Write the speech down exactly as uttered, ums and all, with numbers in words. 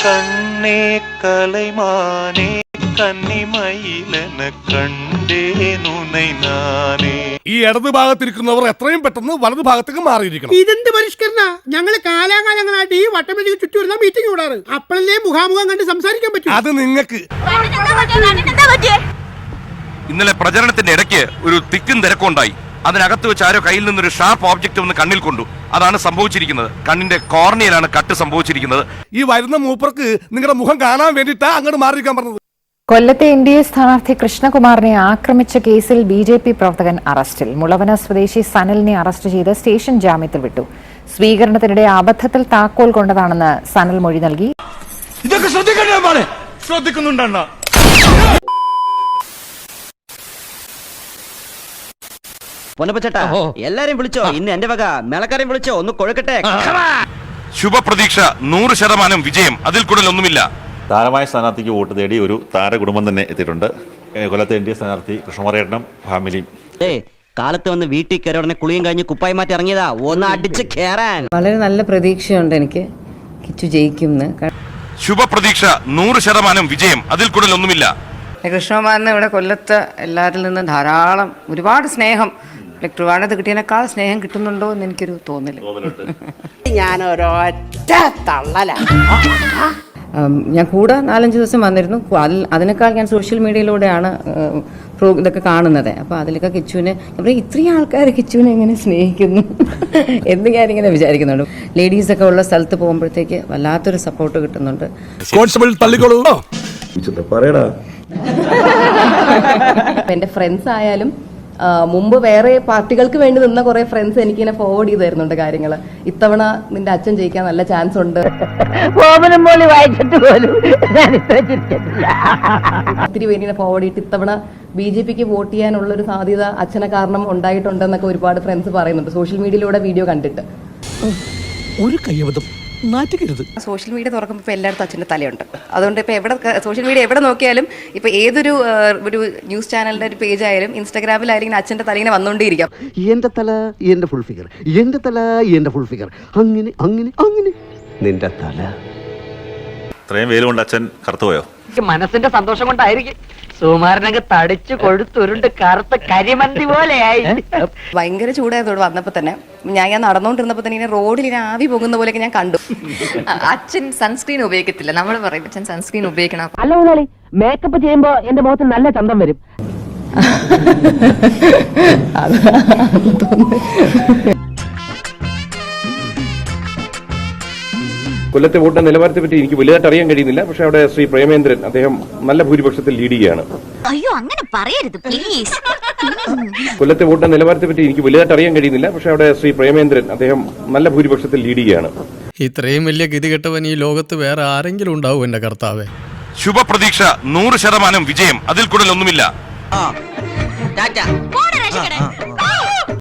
കണ്ണേ കലൈമാനേ കന്നിമയിലെന കണ്ടേനുനൈ നാനേ. ഈ ഇടത് ഭാഗത്തിരിക്കുന്നവർ എത്രയും പെട്ടെന്ന് വലതു ഭാഗത്തേക്ക് മാറിയിരിക്കണം. ഇതെന്ത് പരിഷ്കരണ? ഞങ്ങള് കാലാകാലങ്ങളായിട്ട് ഈ വട്ടമേശയ്ക്ക് ചുറ്റി വരുന്ന മീറ്റിംഗ് കൂടാറ്. അപ്പോഴല്ലേ മുഖാമുഖം കണ്ട് സംസാരിക്കാൻ പറ്റും. അത് നിങ്ങൾക്ക് ഇന്നലെ പ്രചരണത്തിന്റെ ഇടയ്ക്ക് ഒരു തിക്കും തിരക്കും ഉണ്ടായി. അതിനകത്ത് വെച്ച് ആരോ കയ്യിൽ നിന്നൊരു ഷാർപ്പ് ഓബ്ജക്റ്റ് ഒന്ന് കണ്ണിൽ കൊണ്ടു. അതാണ് സംഭവിച്ചിരിക്കുന്നത്. കണ്ണിന്റെ കോർണിയയിലാണ് കട്ട് സംഭവിച്ചിരിക്കുന്നത്. ഈ വരുന്ന മൂപ്പർക്ക് നിങ്ങളുടെ മുഖം കാണാൻ വേണ്ടിയിട്ടാ അങ്ങോട്ട് മാറിയിരിക്കാൻ പറഞ്ഞത്. കൊല്ലത്തെ എൻ ഡി എ സ്ഥാനാർത്ഥി കൃഷ്ണകുമാറിനെ ആക്രമിച്ച കേസിൽ ബി ജെ പി പ്രവർത്തകൻ അറസ്റ്റിൽ. മുളവന സ്വദേശി സനലിനെ അറസ്റ്റ് ചെയ്ത് സ്റ്റേഷൻ ജാമ്യത്തിൽ വിട്ടു. സ്വീകരണത്തിനിടെ അബദ്ധത്തിൽ താക്കോൽ കൊണ്ടതാണെന്ന് സനൽ മൊഴി നൽകി. ഇതൊക്കെ ശ്രദ്ധിക്കണ്ടേ? ശ്രദ്ധിക്കുന്നുണ്ടോ? പൊന്നപ്പച്ചേട്ടാ, എല്ലാരെയും വിളിച്ചോ. ഇന്ന് എന്റെ വക മേളക്കാരെയും വിളിച്ചോ. ഒന്ന് കൊഴുക്കട്ടെ. ശുഭപ്രതീക്ഷ, നൂറ് ശതമാനം വിജയം, അതിൽ കൂടുതൽ ഒന്നുമില്ല. താരമായ സ്ഥാനാർത്ഥിക്ക് വോട്ട് തേടി ഒരു താരകുടുംബം തന്നെ എത്തിയിട്ടുണ്ട്. കൊല്ലത്തെ എൻ ഡി എ സ്ഥാനാർത്ഥി കൃഷ്ണകുമാരേട്ടനും ഫാമിലിയും. കാലത്ത് വന്ന് വീട്ടിൽ കയറി ഉടനെ കുളിയും കഴിഞ്ഞ് കുപ്പായി മാറ്റി ഇറങ്ങിയതാ. ഒന്ന് അടിച്ച് കേറാൻ വളരെ നല്ല പ്രതീക്ഷയുണ്ട് എനിക്ക് കിച്ചു ജയിക്കും. ശുഭപ്രതീക്ഷ, നൂറ് ശതമാനം വിജയം, അതിൽ കൂടുതൽ ഒന്നുമില്ല. കൃഷ്ണകുമാറിന് ഇവിടെ കൊല്ലത്ത് എല്ലാവരിൽ നിന്നും ധാരാളം ഒരുപാട് സ്നേഹം, ട്രിവാൻഡ്രത്ത് കിട്ടിയതിനേക്കാൾ സ്നേഹം കിട്ടുന്നുണ്ടോ എന്ന് എനിക്കൊരു തോന്നല്. ഞാനൊരൊറ്റ തള്ളല. ഞാൻ കൂടെ നാലഞ്ച് ദിവസം വന്നിരുന്നു. അതിൽ അതിനേക്കാൾ ഞാൻ സോഷ്യൽ മീഡിയയിലൂടെയാണ് പ്രോ ഇതൊക്കെ കാണുന്നത്. അപ്പോൾ അതിലൊക്കെ കിച്ചുവിനെ ഇത്രയും ആൾക്കാർ കിച്ചുവിനെ എങ്ങനെ സ്നേഹിക്കുന്നു എന്ന് ഞാനിങ്ങനെ വിചാരിക്കുന്നുണ്ട്. ലേഡീസൊക്കെ ഉള്ള സ്ഥലത്ത് പോകുമ്പോഴത്തേക്ക് വല്ലാത്തൊരു സപ്പോർട്ട് കിട്ടുന്നുണ്ട്. എൻ്റെ ഫ്രണ്ട്സ് ആയാലും മുമ്പ് വേറെ പാർട്ടികൾക്ക് വേണ്ടി നിന്ന കുറെ ഫ്രണ്ട്സ് എനിക്ക് ഇങ്ങനെ ഫോർവേഡ് ചെയ്ത് തരുന്നുണ്ട് കാര്യങ്ങൾ. ഇത്തവണ നിന്റെ അച്ഛൻ ജയിക്കാൻ നല്ല ചാൻസ് ഉണ്ട്. ഒത്തിരി പേരിനെ ഫോർവേഡ് ചെയ്തിട്ട് ഇത്തവണ ബി ജെ പിക്ക് വോട്ട് ചെയ്യാനുള്ള ഒരു സാധ്യത അച്ഛനെ കാരണം ഉണ്ടായിട്ടുണ്ടെന്നൊക്കെ ഒരുപാട് ഫ്രണ്ട്സ് പറയുന്നുണ്ട് സോഷ്യൽ മീഡിയയിലൂടെ വീഡിയോ കണ്ടിട്ട്. ഒരു കയ്യബദ്ധം നാറ്റിക്കരുത്. സോഷ്യൽ മീഡിയ തുറക്കുമ്പോൾ ഇപ്പോൾ എല്ലായിടത്തും അച്ഛൻ്റെ തലയുണ്ട്. അതുകൊണ്ട് ഇപ്പോൾ എവിടെ സോഷ്യൽ മീഡിയ എവിടെ നോക്കിയാലും ഇപ്പോൾ ഏതൊരു ഒരു ന്യൂസ് ചാനലിൻ്റെ ഒരു പേജ് ആയാലും ഇൻസ്റ്റാഗ്രാമിലായാലും ഇങ്ങനെ അച്ഛൻ്റെ തല ഇങ്ങനെ വന്നുകൊണ്ടേയിരിക്കാം. എന്റെ തല എന്റെ ഫുൾ ഫിഗർ, എന്റെ തല എന്റെ ഫുൾ ഫിഗർ, അങ്ങനെ അങ്ങനെ അങ്ങനെ നിന്റെ തല. ഇത്രയും വെയിൽ കൊണ്ട് അച്ഛൻ കറുത്തുപോയോ? മനസ്സിന്റെ സന്തോഷം കൊണ്ടായിരിക്കും. സുമാരനൊക്കെ തടിച്ചു കൊഴുത്തുരുണ്ട് കറുത്ത കരിമന്തി പോലെയായി. ഭയങ്കര ചൂടായതോട് വന്നപ്പോൾ തന്നെ ഞാൻ ഞാൻ നടന്നുകൊണ്ടിരുന്നപ്പോൾ തന്നെ ഇങ്ങനെ റോഡിൽ ഇങ്ങനെ ആവി പോകുന്ന പോലെയൊക്കെ ഞാൻ കണ്ടു. അച്ഛൻ സൺസ്ക്രീൻ ഉപയോഗിക്കത്തില്ല. നമ്മൾ പറയും അച്ഛൻ സൺസ്ക്രീൻ ഉപയോഗിക്കണം. അല്ല മുതലാളി, മേക്കപ്പ് ചെയ്യുമ്പോ എന്റെ മുഖത്ത് നല്ല ചന്തം വരും. കൊല്ലത്തെ വോട്ട് നിലവാരത്തെ പറ്റി എനിക്ക് വലുതായിട്ട് അറിയാൻ കഴിയുന്നില്ല. പക്ഷെ അവിടെ ശ്രീ പ്രേമേന്ദ്രൻ അദ്ദേഹം നല്ല ഭൂരിപക്ഷത്തിൽ ലീഡ് ചെയ്യുകയാണ്. അയ്യോ അങ്ങനെ പറയരുത് പ്ലീസ്. കൊല്ലത്തെ വോട്ട് നിലവാരത്തെ പറ്റി എനിക്ക് വലുതായിട്ട് അറിയാൻ കഴിയുന്നില്ല. പക്ഷെ അവിടെ ശ്രീ പ്രേമേന്ദ്രൻ അദ്ദേഹം നല്ല ഭൂരിപക്ഷത്തിൽ ലീഡ് ചെയ്യുകയാണ്. ഇത്രയും വലിയ ഗതികെട്ടവൻ ഈ ലോകത്ത് വേറെ ആരെങ്കിലും ഉണ്ടാവും എന്റെ കർത്താവേ. ശുഭപ്രതീക്ഷ, നൂറ് ശതമാനം വിജയം, അതിൽ കൂടുതൽ ഒന്നുമില്ല.